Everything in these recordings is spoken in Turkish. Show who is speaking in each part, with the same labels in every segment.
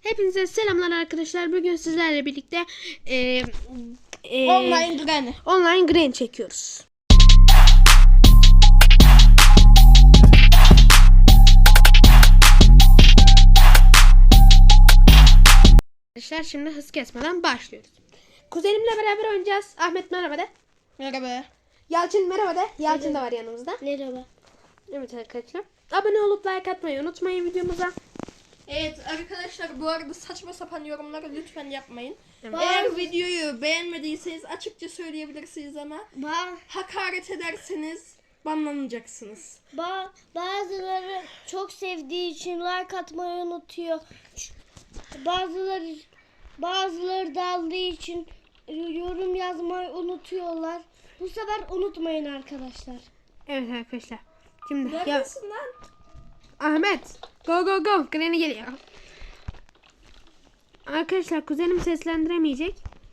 Speaker 1: Hepinize selamlar arkadaşlar. Bugün sizlerle birlikte
Speaker 2: Online
Speaker 1: Granny çekiyoruz. Arkadaşlar şimdi hız kesmeden başlıyoruz. Kuzenimle beraber oynayacağız. Ahmet merhaba de.
Speaker 2: Merhaba.
Speaker 1: Yalçın merhaba de. Yalçın da var yanımızda.
Speaker 2: Merhaba.
Speaker 1: Evet arkadaşlar. Abone olup like atmayı unutmayın videomuza.
Speaker 2: Evet arkadaşlar, bu arada saçma sapan yorumları lütfen yapmayın.
Speaker 1: Evet.
Speaker 2: Eğer videoyu beğenmediyseniz açıkça söyleyebilirsiniz ama hakaret ederseniz banlanacaksınız.
Speaker 3: Bazıları çok sevdiği için like atmayı unutuyor. Bazıları daldığı için yorum yazmayı unutuyorlar. Bu sefer unutmayın arkadaşlar.
Speaker 1: Evet arkadaşlar. Şimdi ya
Speaker 2: Neredesin lan?
Speaker 1: Ahmet go go go. Granny geliyor. Arkadaşlar kuzenim seslendiremeyecek.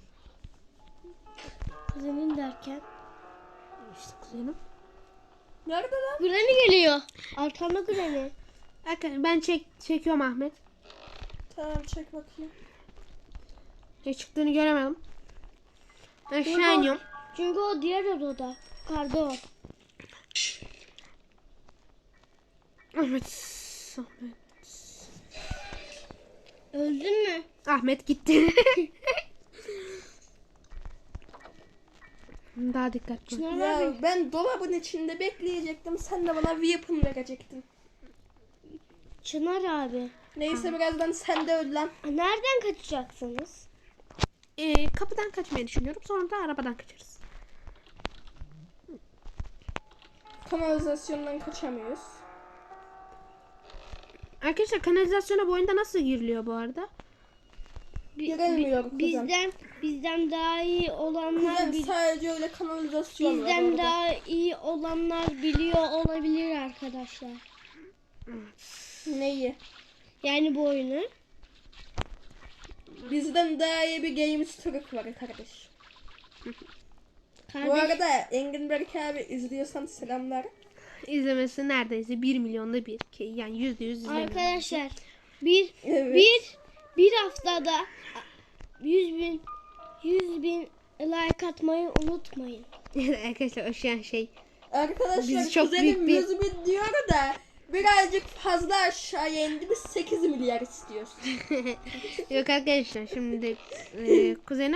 Speaker 3: Kuzenin derken.
Speaker 1: İşte kuzenim.
Speaker 2: Nerede lan?
Speaker 3: Granny geliyor. Arkanda Granny.
Speaker 1: Arkadaşlar ben çekiyorum Ahmet.
Speaker 2: Tamam, çek bakayım.
Speaker 1: Ne çıktığını göremedim. Aşağı iniyorum.
Speaker 3: Çünkü o diğer odada. Yukarıda o.
Speaker 1: Ahmet.
Speaker 3: Öldün mü?
Speaker 1: Ahmet gitti. Daha dikkatli.
Speaker 3: Çınar
Speaker 2: Ya
Speaker 3: abi.
Speaker 2: ben dolabın içinde bekleyecektim, sen de bana weapon verecektin.
Speaker 3: Çınar abi.
Speaker 2: Neyse, birazdan sen de öl lan.
Speaker 3: Nereden kaçacaksınız?
Speaker 1: Kapıdan kaçmayı düşünüyorum. Sonra da arabadan kaçarız.
Speaker 2: Kanalizasyondan kaçamıyoruz.
Speaker 1: Arkadaşlar kanalizasyona bu oyunda nasıl giriliyor bu arada?
Speaker 2: Giremiyor kuzen.
Speaker 3: Bizden daha iyi olanlar
Speaker 2: Kuzen, sadece öyle kanalizasyon var
Speaker 3: bizden
Speaker 2: orada.
Speaker 3: daha iyi olanlar biliyor olabilir arkadaşlar.
Speaker 2: Neyi?
Speaker 3: Yani bu oyunu.
Speaker 2: Bizden daha iyi bir games Türk var kardeş. Bu arada Engin Berk abi, izliyorsan selamlar.
Speaker 1: İzlemesi neredeyse 1 milyonda bir. Yani %100 izleniyor.
Speaker 3: Arkadaşlar
Speaker 2: Evet.
Speaker 3: bir haftada 100 bin like atmayı unutmayın.
Speaker 1: Arkadaşlar o şu an şey.
Speaker 2: Arkadaşlar
Speaker 1: Biz çok
Speaker 2: kuzenim
Speaker 1: büyük bir-
Speaker 2: 100 bin diyor da birazcık fazla aşağıya indi, biz 8 milyar istiyoruz.
Speaker 1: Yok arkadaşlar şimdi kuzenim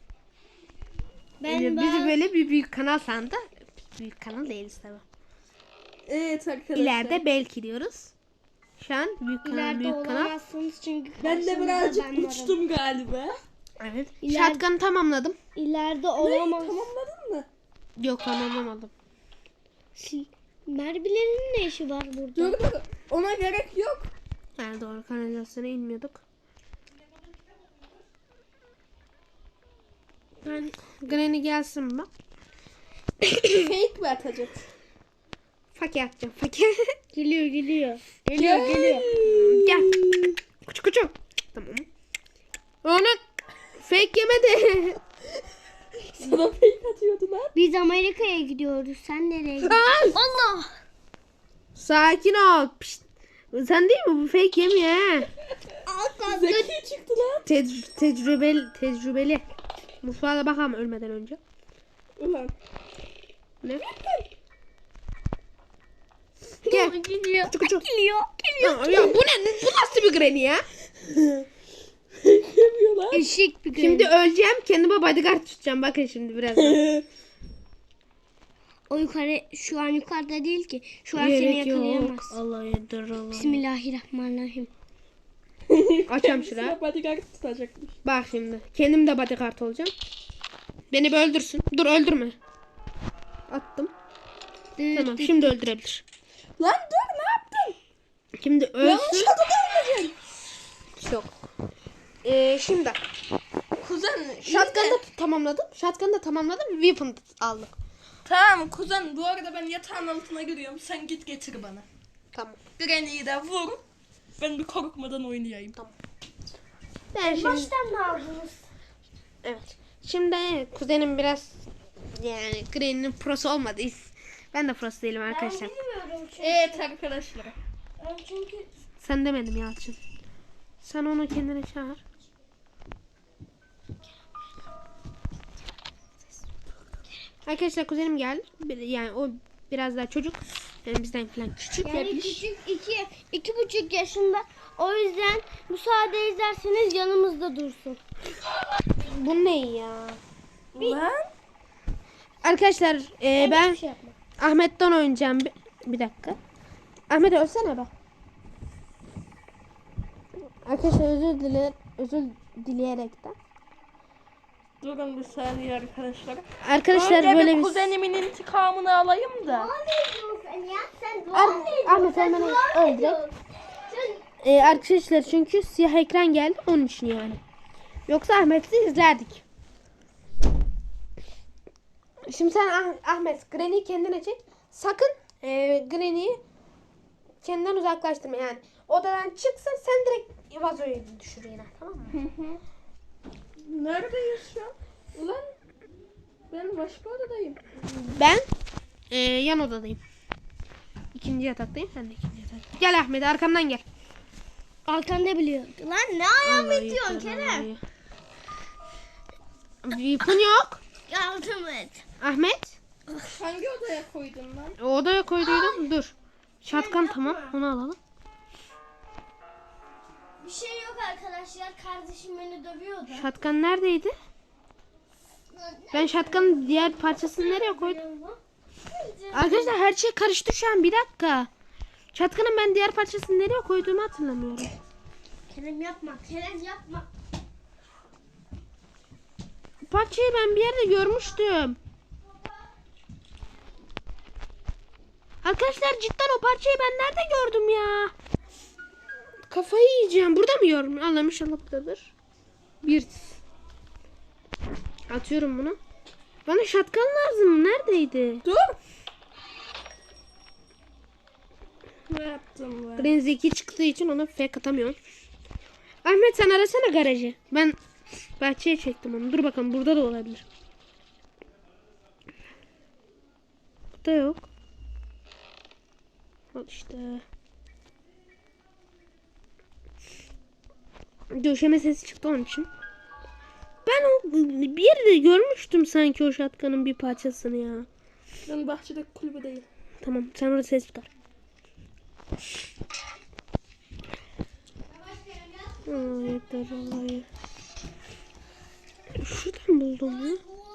Speaker 3: Ben
Speaker 1: bizi böyle bir büyük kanal sandı. Büyük kanal değiliz tabi.
Speaker 2: Evet arkadaşlar.
Speaker 1: İleride belki diyoruz. Şu an büyük kanal
Speaker 3: ileride
Speaker 1: büyük kanal.
Speaker 3: olamazsınız çünkü
Speaker 2: Ben de
Speaker 3: karşınızda
Speaker 2: birazcık
Speaker 3: ben varım.
Speaker 2: uçtum galiba.
Speaker 1: Evet.
Speaker 3: İleride-
Speaker 1: Shotgun'ı tamamladım.
Speaker 3: İleride olamaz.
Speaker 2: Tamamladın mı?
Speaker 1: Yok tamamlamadım.
Speaker 3: Mermilerin ne işi var burada?
Speaker 2: Dur, ona gerek yok.
Speaker 1: Yani doğru kanalizasyona inmiyorduk. Ben Granny gelsin mi?
Speaker 2: Fake mi atacak?
Speaker 1: Fakir atacağım fakir.
Speaker 3: Geliyor.
Speaker 2: Gel.
Speaker 1: Gel. Kuçu kuçu. Tamam. Onun fake yemedi.
Speaker 2: Sana fake atıyordu lan.
Speaker 3: Biz Amerika'ya gidiyoruz. Sen nereye gidiyorsun?
Speaker 1: Aa!
Speaker 3: Allah!
Speaker 1: Sakin ol. Pişt. Sen değil mi? Bu fake yemiyor ha.
Speaker 2: Zeki çıktı lan.
Speaker 1: Tecrübeli. Mutfağa da bakalım ölmeden önce.
Speaker 2: Ulan.
Speaker 1: Ne? Gel.
Speaker 3: Geliyor.
Speaker 1: Kuçu kuçu.
Speaker 3: Geliyor.
Speaker 1: Ya bu ne? Bu nasıl bir Granny ya?
Speaker 2: Fake yemiyor lan.
Speaker 3: Eşek bir
Speaker 1: Şimdi öleceğim. Kendime bodyguard tutacağım. Bakın şimdi birazdan.
Speaker 3: O şu an yukarıda değil ki. Şu an seni
Speaker 1: Gerek yok.
Speaker 3: yakalayamaz.
Speaker 1: Allah yedir Allah.
Speaker 3: Bismillahirrahmanirrahim.
Speaker 1: Açam şuraya.
Speaker 2: Sıra bodyguard tutacakmış.
Speaker 1: Bak şimdi. Kendim de bodyguard olacağım. Beni bir öldürsün. Dur öldürme. Attım. Tamam şimdi öldürebilir.
Speaker 2: Lan dur, ne yaptın?
Speaker 1: Şimdi ölsün.
Speaker 2: Yanlış adada öleceksin.
Speaker 1: Yok. Şimdi.
Speaker 2: Kuzen,
Speaker 1: Shotgun'ı da tamamladım. Weapon aldık.
Speaker 2: Tamam kuzen, bu arada ben yatağın altına giriyorum. Sen git getir bana.
Speaker 1: Tamam.
Speaker 2: Granny'yi de vur. Ben bir korkmadan oynayayım.
Speaker 1: Tamam. Ben şimdi...
Speaker 3: Baştan mı aldınız?
Speaker 1: Evet. Şimdi kuzenim biraz yani Granny'nin prosu olmadı. Ben de prosu değilim arkadaşlar.
Speaker 3: Ben bilmiyorum çünkü.
Speaker 2: Evet arkadaşlar.
Speaker 3: Ben çünkü
Speaker 1: Sen demedim Yalçın. Sen onu kendine çağır. Arkadaşlar kuzenim geldi. Yani o biraz daha çocuk. Yani bizden falan küçük.
Speaker 3: Yani küçük 2,5 yaşında. O yüzden müsaade ederseniz yanımızda dursun.
Speaker 1: Bu ne ya?
Speaker 2: Lan.
Speaker 1: Arkadaşlar ben
Speaker 3: Hiçbir şey yapma.
Speaker 1: Ahmet'ten oynayacağım. Bir dakika. Ahmet ölsene be. Arkadaşlar özür dileyerekten.
Speaker 2: Durun bir saniye arkadaşlar.
Speaker 1: Arkadaşlar
Speaker 2: Önce
Speaker 1: böyle
Speaker 2: bir
Speaker 1: bir...
Speaker 2: kuzenimin intikamını alayım da.
Speaker 3: Sen ya sen
Speaker 1: Ahmet hemen öldü. Arkadaşlar çünkü siyah ekran geldi onun için yani. Yoksa Ahmet'i izlerdik. Şimdi sen Ahmet Granny'i kendine çek. Sakın Granny'i kendinden uzaklaştırma yani. Odadan çıksa sen direkt vazoyu düşür yine, tamam mı?
Speaker 2: Neredeyiz şu an? Ulan ben başka odadayım.
Speaker 1: Ben yan odadayım. İkinci yataktayım, sen de ikinci yatakta. Gel Ahmet, arkamdan gel.
Speaker 3: Arkanda biliyor. Lan ne ayağımı itiyorsun Kerem?
Speaker 1: Weapon yok.
Speaker 3: Yardım et.
Speaker 1: Ahmet.
Speaker 2: Hangi odaya koydun lan?
Speaker 1: O odaya koyduydum. Dur. Şatkan tamam. Onu alalım.
Speaker 3: Bir şey yok arkadaşlar. Kardeşim beni dövüyordu.
Speaker 1: Şatkan neredeydi? Ben şatkanın diğer parçasını nereye koydum? Arkadaşlar her şey karıştı şu an. Bir dakika. Şatkanın ben diğer parçasını nereye koyduğumu hatırlamıyorum.
Speaker 3: Kerem yapma. Kerem yapma.
Speaker 1: Parçayı ben bir yerde görmüştüm. Arkadaşlar cidden o parçayı ben nerede gördüm ya? Kafayı yiyeceğim. Burada mı gördüm? Allah'ım inşallah buradadır. Bir. Atıyorum bunu. Bana şatkan lazım. Neredeydi?
Speaker 2: Dur. Ne yaptım ben?
Speaker 1: Green zeki çıktığı için ona fake atamıyorum. Ahmet sen arasana garajı. Ben bahçeye çektim onu. Dur bakalım burada da olabilir. Burada yok. Al işte. Döşeme sesi çıktı onun için. Ben o bir yerde görmüştüm sanki o şatkanın bir parçasını ya.
Speaker 2: Ben bahçedeki kulübedeyim.
Speaker 1: Tamam sen orada ses çıkar. Yeter vallahi. Şuradan buldum ya.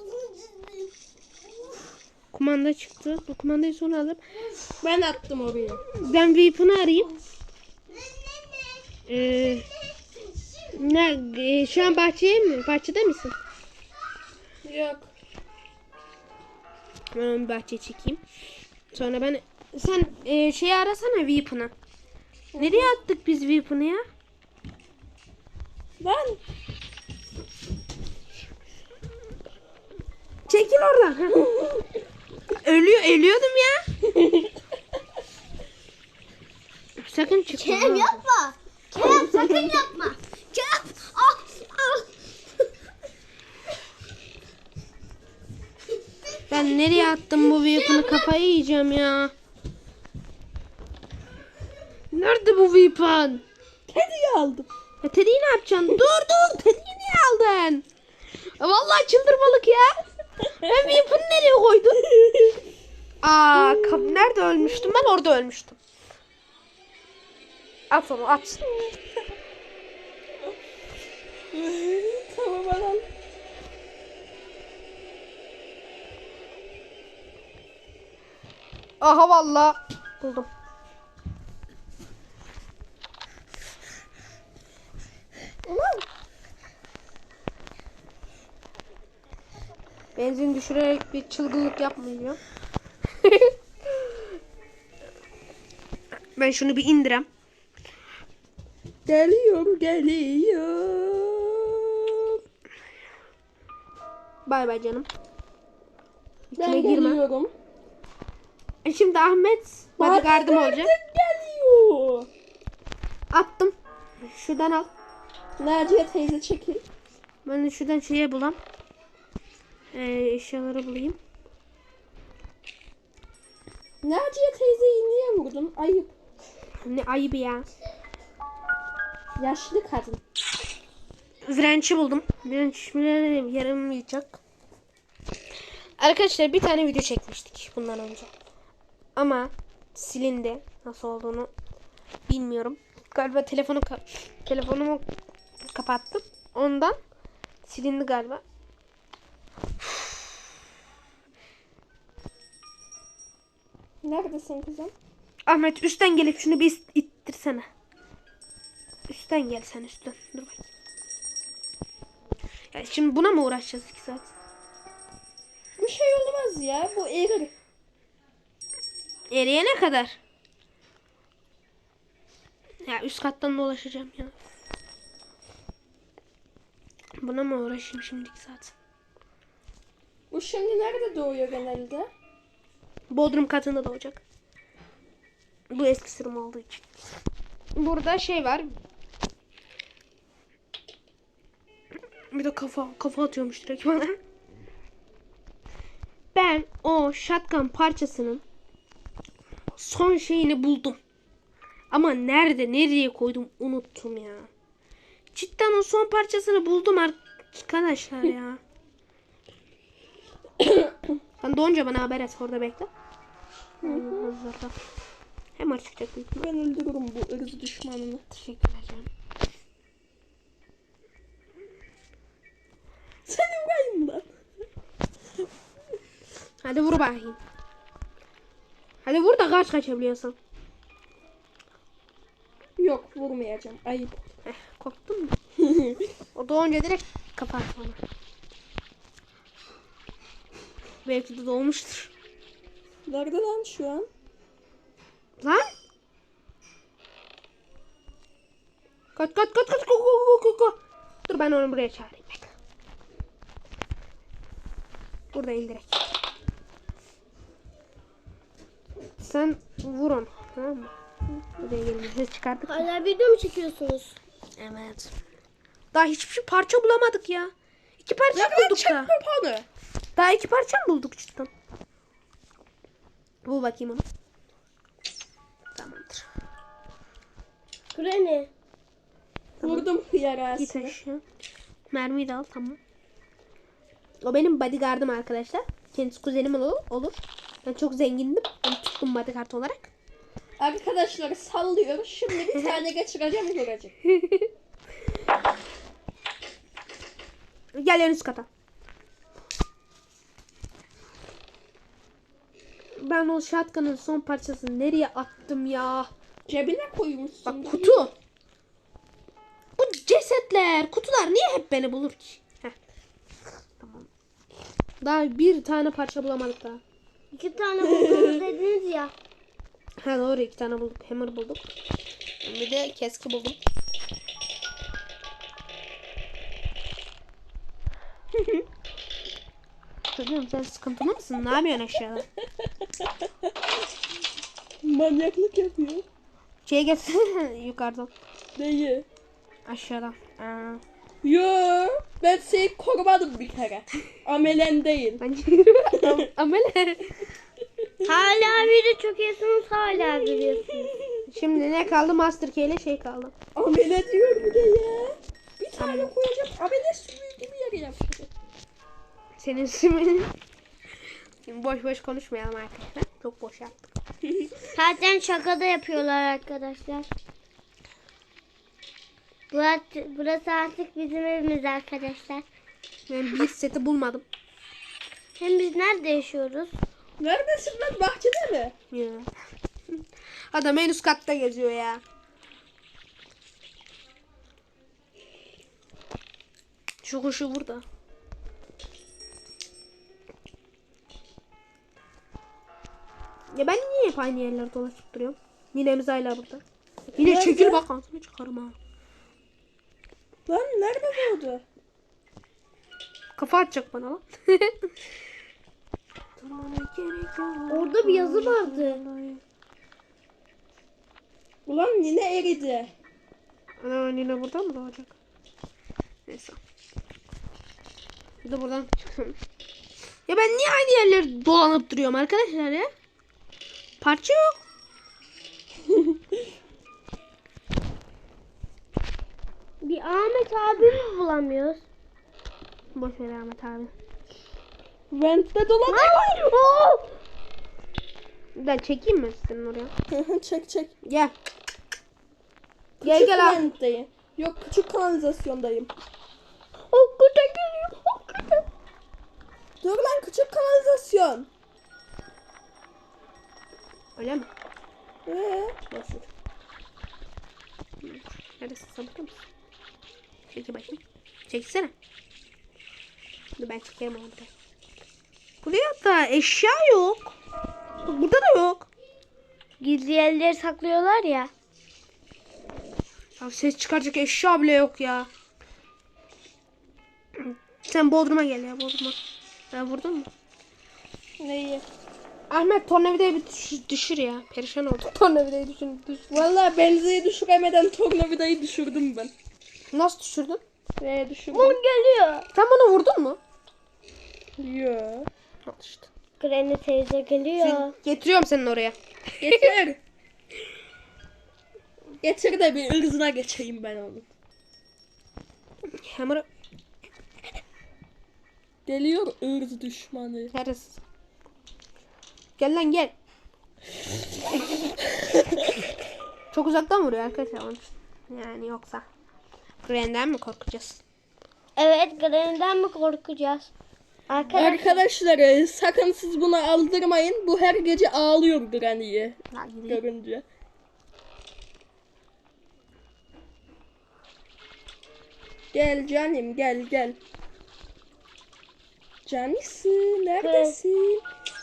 Speaker 1: Kumanda çıktı. Bu kumandayı sonra alıp
Speaker 2: Ben attım oraya.
Speaker 1: ben Weapon'u arayayım. Şu an bahçeye mi? Bahçede misin?
Speaker 2: Yok.
Speaker 1: Ben onu bahçeye çekeyim. Sonra ben sen şeyi arasana Weapon'u. Nereye attık biz Weapon'u ya?
Speaker 2: Ben
Speaker 1: Çekil oradan. Ölüyordum ya. Sakın çıkma.
Speaker 3: Kerem yapma. Kerem sakın yapma. Kerem. Ah, ah.
Speaker 1: Ben nereye attım bu Weapon'u, kafayı yiyeceğim ya. Nerede bu Weapon?
Speaker 2: Teddy'yi aldım.
Speaker 1: Ya Teddy'yi ne yapacaksın? Dur. Teddy'yi niye aldın? Vallahi çıldırmalık ya. Ben Weapon'u nereye koydum? Nerede ölmüştüm? Ben orada ölmüştüm. At onu at.
Speaker 2: Tamam al.
Speaker 1: Aha vallahi buldum. Benzin düşürerek bir çılgınlık yapmayacağım. Ben şunu bir indirem.
Speaker 2: Geliyorum.
Speaker 1: Bay bay canım.
Speaker 2: Ben
Speaker 1: İçine girme.
Speaker 2: geliyorum.
Speaker 1: Şimdi Ahmet bodyguardım olacak.
Speaker 2: Geliyor.
Speaker 1: Attım. Şuradan al.
Speaker 2: Naciye teyze çekil.
Speaker 1: Ben de şuradan şeye bulam. Eşyaları bulayım.
Speaker 2: Naciye teyzeyi niye vurdun? Ayıp.
Speaker 1: Ne ayıbı ya.
Speaker 2: Yaşlı kadın.
Speaker 1: Wrench'i buldum. Wrench yaramayacak. Arkadaşlar bir tane video çekmiştik bundan önce. Ama silindi. Nasıl olduğunu bilmiyorum. Galiba telefonumu kapattım. Ondan silindi galiba.
Speaker 2: Neredesin kızım?
Speaker 1: Ahmet üstten gelip şunu bir ittirsene. Üstten gel sen üstten. Dur bakayım. Ya şimdi buna mı uğraşacağız 2 saat?
Speaker 2: Bir şey olmaz ya. Bu erir.
Speaker 1: Eriyene kadar. Ya üst kattan dolaşacağım ya. Buna mı uğraşayım şimdi 2 saat?
Speaker 2: Bu şimdi nerede doğuyor genelde?
Speaker 1: Bodrum katında doğacak. Bu eski sürüm olduğu için. Burada şey var. Bir de kafa atıyormuş direkt bana. Ben o shotgun parçasının son şeyini buldum. Ama nereye koydum unuttum ya. Cidden o son parçasını buldum arkadaşlar ya. Sen doğunca bana haber et, orada bekle. Hemen çıkacak büyük ihtimal.
Speaker 2: Ben öldürürüm bu ırz düşmanını.
Speaker 1: Teşekkürler canım.
Speaker 2: Seni vurayım ben.
Speaker 1: Hadi vur bakayım. Hadi vur da kaçabiliyorsun.
Speaker 2: Yok vurmayacağım. Ayıp.
Speaker 1: Korktun mu? O doğunca direkt kapat bana. Belki de doğmuştur.
Speaker 2: Nerede lan şu an?
Speaker 1: Lan! Kaç. Go. Dur ben onu buraya çağırayım. Bekle. Buradayım direkt. Sen vur onu. Tamam mı? Buraya gelin. Ses çıkardık.
Speaker 3: Hala video mu çekiyorsunuz?
Speaker 1: Evet. Daha hiçbir şey parça bulamadık ya. 2 parça bulduk da.
Speaker 2: Kapanı.
Speaker 1: Daha 2 parça mı bulduk cidden? Bul bakayım onu. Tamamdır.
Speaker 3: Granny.
Speaker 2: Vurdum
Speaker 1: Git
Speaker 2: yarasını.
Speaker 1: aşağı. Mermiyi de al, tamam. O benim bodyguardım arkadaşlar. Kendisi kuzenim olur. Ben çok zengindim. Onu tuttum bodyguard olarak.
Speaker 2: Arkadaşları sallıyor. Şimdi bir tane geçireceğim görecek.
Speaker 1: Gel en üst kata. Ben o shotgun'ın son parçasını nereye attım ya?
Speaker 2: Cebine koymuşsun.
Speaker 1: Bak kutu. Bu cesetler, kutular niye hep beni bulur ki? Heh. Tamam. Daha bir tane parça bulamadık daha.
Speaker 3: 2 tane buldunuz dediniz ya.
Speaker 1: Ha doğru, 2 tane bulduk. Hammer bulduk. Bir de keski buldum. Çocuğum sen sıkıntılı mısın? Ne yapıyorsun aşağıda?
Speaker 2: Manyaklık yapıyor.
Speaker 1: Şey gelsene yukarıdan.
Speaker 2: Neyi?
Speaker 1: Aşağıdan.
Speaker 2: Yo, ben seni korumadım bir kere. Amelen değil.
Speaker 1: Bence yürü. Amele.
Speaker 3: Hala video çekiyorsunuz, hala gülüyorsunuz.
Speaker 1: Şimdi ne kaldı? Master Key ile şey kaldı.
Speaker 2: Amele diyor bir de ya. Bir tane koyacağım. Amele sümüğü gibi yere yapacağım.
Speaker 1: Senin ismin. Şimdi boş konuşmayalım arkadaşlar. Çok boş yaptık.
Speaker 3: Zaten şaka da yapıyorlar arkadaşlar. Burası artık bizim evimiz arkadaşlar.
Speaker 1: Ben bir seti bulmadım.
Speaker 3: Hem biz nerede yaşıyoruz?
Speaker 2: Neredesin lan? Bahçede mi?
Speaker 1: Ya. Adam en üst katta geziyor ya. Şu kuşu burada. Ya ben niye hep aynı yerlerde dolaşıp duruyorum? Ninemiz hala burada. Yine
Speaker 2: Nerede?
Speaker 1: çekil bak ağzını çıkarım ha.
Speaker 2: Lan nerede doğdu?
Speaker 1: Kafa atacak bana lan.
Speaker 3: Orada bir yazı vardı.
Speaker 2: Ulan yine eridi.
Speaker 1: Ana Nine burada mı doğacak? Neyse. Bir de buradan çıksın. Ya ben niye aynı yerlerde dolanıp duruyorum arkadaşlar ya? Parça yok.
Speaker 3: Bir Ahmet abimi bulamıyoruz.
Speaker 1: Boş ver Ahmet abi.
Speaker 2: Vent'te dolanıyor.
Speaker 3: Oo!
Speaker 1: Ben çekeyim mi senin oraya?
Speaker 2: Çek çek.
Speaker 1: Gel.
Speaker 2: Küçük
Speaker 1: Gel al.
Speaker 2: Vent'teyim. Yok küçük kanalizasyondayım.
Speaker 3: Hakikaten geliyor. Hakikaten.
Speaker 2: Dur lan küçük kanalizasyon.
Speaker 1: Öyle mi?
Speaker 2: Nasıl?
Speaker 1: Neredesin? Sabıklı mısın? Çekil bakayım. Çeksene. Dur ben çekerim onu bir de. Buraya da eşya yok. Burada da yok.
Speaker 3: Gizli yerleri saklıyorlar ya.
Speaker 1: Ya ses çıkaracak eşya bile yok ya. Sen Bodrum'a gel ya Bodrum'a. Ben vurdun mu?
Speaker 2: Neyi?
Speaker 1: Ahmet tornavidayı bir düşür ya. Perişan oldum. Tornavidayı düşür.
Speaker 2: Vallahi benzeyi düşüremeden tornavidayı düşürdüm ben.
Speaker 1: Nasıl düşürdün?
Speaker 2: Düşürdüm.
Speaker 3: Bun geliyor.
Speaker 1: Sen bana vurdun mu?
Speaker 2: Yo.
Speaker 1: Al işte.
Speaker 3: Granny teyze geliyor.
Speaker 1: Getiriyorum senin oraya.
Speaker 2: Getir. Getir de bir ırzına geçeyim ben onu.
Speaker 1: Hammer'ı
Speaker 2: Geliyor ırz düşmanı.
Speaker 1: neredesin? Gel lan gel. Çok uzaktan vuruyor arkadaşlar onun için. Yani yoksa. Granny'den mi korkacağız?
Speaker 3: Evet, Granny'den mi korkacağız?
Speaker 2: Arkadaşlar sakın siz buna aldırmayın. Bu her gece ağlıyor Granny'yi
Speaker 1: Ha, gideyim.
Speaker 2: görünce. Gel canım gel gel. Canisi neredesin?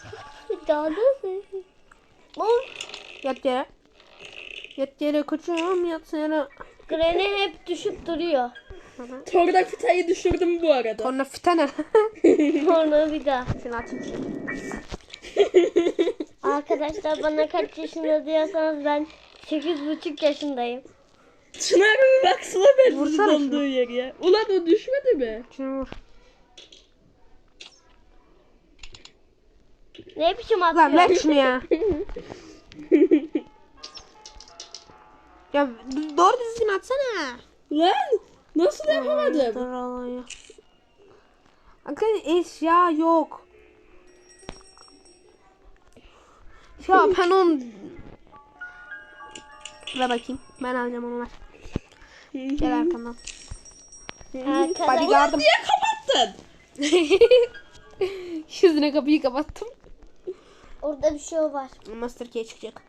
Speaker 1: Yat yere. Yat yere koçum yat yere.
Speaker 3: Granny hep düşüp duruyor.
Speaker 2: Tornavitayı düşürdüm bu arada.
Speaker 1: Torna fitene.
Speaker 3: Sonra bir daha.
Speaker 1: Seni atayım şimdi.
Speaker 3: Arkadaşlar bana kaç yaşında diyorsanız ben 8,5 yaşındayım.
Speaker 2: Çınar bir baksana ben
Speaker 1: Vursana
Speaker 2: olduğu
Speaker 1: şunu.
Speaker 2: yer ya. Ulan o düşmedi mi?
Speaker 1: Şunu vur.
Speaker 3: Ne biçim
Speaker 1: Lan
Speaker 3: atıyor?
Speaker 1: ver şunu ya. Ya doğru düzgün atsana.
Speaker 2: Lan nasıl yapamadım?
Speaker 1: Arkadaşlar eşya yok. Ya ben onu... Ver bakayım. Ben alacağım onu ver. Gel arkamdan.
Speaker 3: Arkadaşlar
Speaker 1: Bodyguardım.
Speaker 2: Niye kapattın?
Speaker 1: Yüzüne kapıyı kapattım.
Speaker 3: orada bir şey var.
Speaker 1: Master Key çıkacak.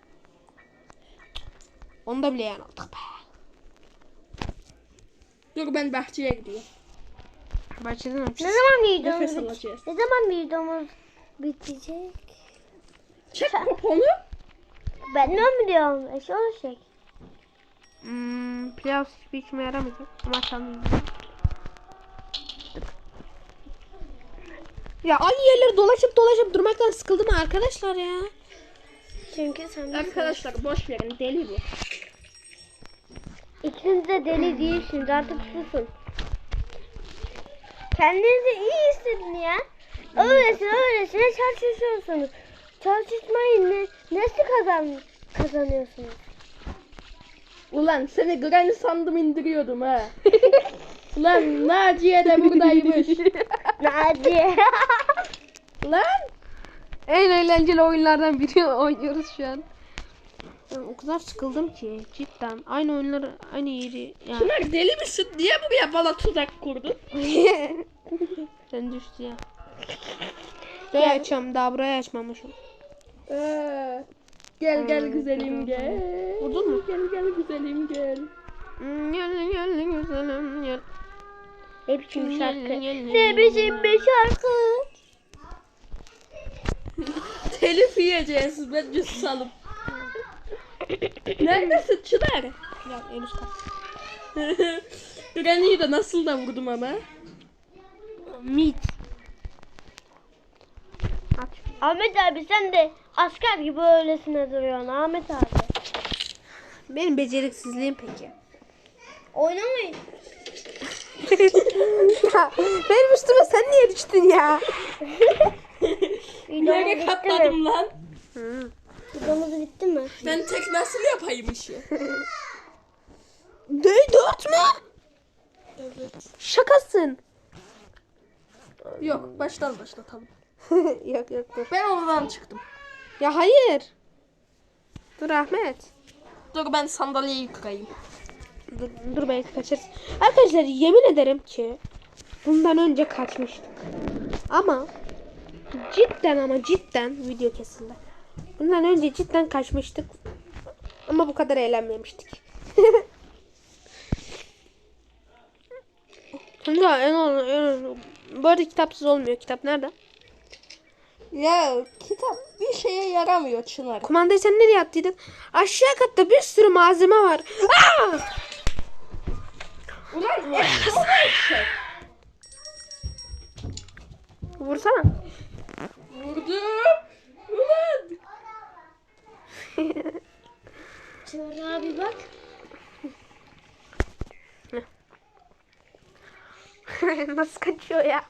Speaker 1: Onu da bile yani aldık be.
Speaker 2: Dur ben bahçeye gidiyorum.
Speaker 1: Bahçeden
Speaker 3: Ne
Speaker 1: açacağız.
Speaker 3: zaman videomuz
Speaker 2: Nefes
Speaker 3: bitecek?
Speaker 2: alacağız.
Speaker 3: Ne zaman videomuz bitecek?
Speaker 2: Çek poponu.
Speaker 3: Ben ne biliyorum? Onu çek.
Speaker 1: Playoffs hiçbir işime yaramayacak. Ama açalım. Ya aynı yerleri dolaşıp durmaktan sıkıldım arkadaşlar ya.
Speaker 3: Çünkü sen
Speaker 2: Arkadaşlar boş verin deli bu.
Speaker 3: İkiniz de deli değilsiniz, artık susun. Kendinizi iyi hissedin ya. Öylesine tartışıyorsunuz. Tartışmayın, nasıl kazanıyorsunuz?
Speaker 2: Ulan seni Granny sandım indiriyordum ha. Ulan Naciye de buradaymış.
Speaker 3: Naciye.
Speaker 2: Lan
Speaker 1: En eğlenceli oyunlardan biri oynuyoruz şu an. Ben o kadar sıkıldım ki cidden. Aynı oyunları aynı yeri yani.
Speaker 2: Çınar deli misin? Niye buraya bana tuzak kurdun?
Speaker 1: Sen düştü ya. Burayı açacağım. Daha burayı açmamışım.
Speaker 2: Gel güzelim gel.
Speaker 1: Vurdun mu?
Speaker 2: Gel güzelim gel.
Speaker 1: Gel güzelim gel.
Speaker 3: Ne biçim şarkı?
Speaker 1: Gel.
Speaker 3: Ne biçim bir şarkı?
Speaker 2: Telif yiyeceğiz bence susalım. Neredesin Çınar?
Speaker 1: Ya en üst kat.
Speaker 2: Granny'yi de nasıl da vurdum ama.
Speaker 1: Meat. Aç.
Speaker 3: Ahmet abi sen de asker gibi öylesine duruyorsun Ahmet abi.
Speaker 1: Benim beceriksizliğim peki.
Speaker 3: Oynamayın.
Speaker 1: Ya, benim üstüme sen niye düştün ya?
Speaker 3: Videomuz
Speaker 2: Nereye
Speaker 3: bitti mi?
Speaker 2: katladım lan?
Speaker 3: Videomuz bitti mi?
Speaker 2: Ben tek nasıl yapayım işi?
Speaker 1: Ne 4 mü?
Speaker 2: Evet.
Speaker 1: Şakasın.
Speaker 2: Yok baştan başlatalım.
Speaker 1: Yok yok dur.
Speaker 2: Ben oradan çıktım.
Speaker 1: Ya hayır. Dur Ahmet.
Speaker 2: Dur ben sandalyeyi kırayım.
Speaker 1: Dur belki kaçarız. Arkadaşlar yemin ederim ki bundan önce kaçmıştık. Ama cidden video kesildi. Bundan önce cidden kaçmıştık. Ama bu kadar eğlenmemiştik. Şimdi bu arada kitapsız olmuyor. Kitap nerede?
Speaker 2: Ya kitap bir şeye yaramıyor Çınar.
Speaker 1: Kumandayı sen nereye attıydın? Aşağı katta bir sürü malzeme var. Aa!
Speaker 2: Ulan eşek.
Speaker 1: Vursana.
Speaker 2: Vurdu. Ulan.
Speaker 3: Çınar abi bak.
Speaker 1: Nasıl kaçıyor ya?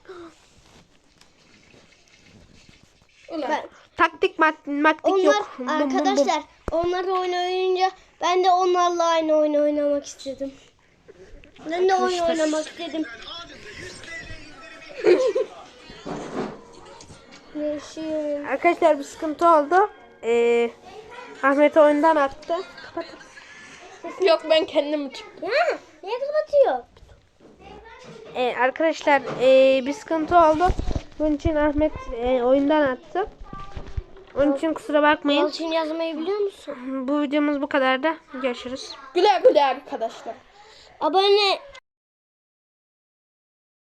Speaker 2: Ulan.
Speaker 1: Taktik maktik
Speaker 3: Onlar
Speaker 1: yok. Bum, bum, bum.
Speaker 3: arkadaşlar onlar oyun oynayınca ben de onlarla aynı oyun oynamak istedim. Ben de oyun
Speaker 1: Arkadaşlar.
Speaker 3: oynamak istedim. Yaşıyorum.
Speaker 1: Arkadaşlar bir sıkıntı oldu. Ahmet oyundan attı. Kapat.
Speaker 2: Yok ben kendim çıktım.
Speaker 3: Ya niye kapatıyor?
Speaker 1: Arkadaşlar bir sıkıntı oldu. Bunun için Ahmet oyundan attı. Onun için kusura bakmayın.
Speaker 3: Yalçın yazmayı biliyor musun?
Speaker 1: Bu videomuz bu kadar da. Görüşürüz.
Speaker 2: Güle güle arkadaşlar.
Speaker 3: Abone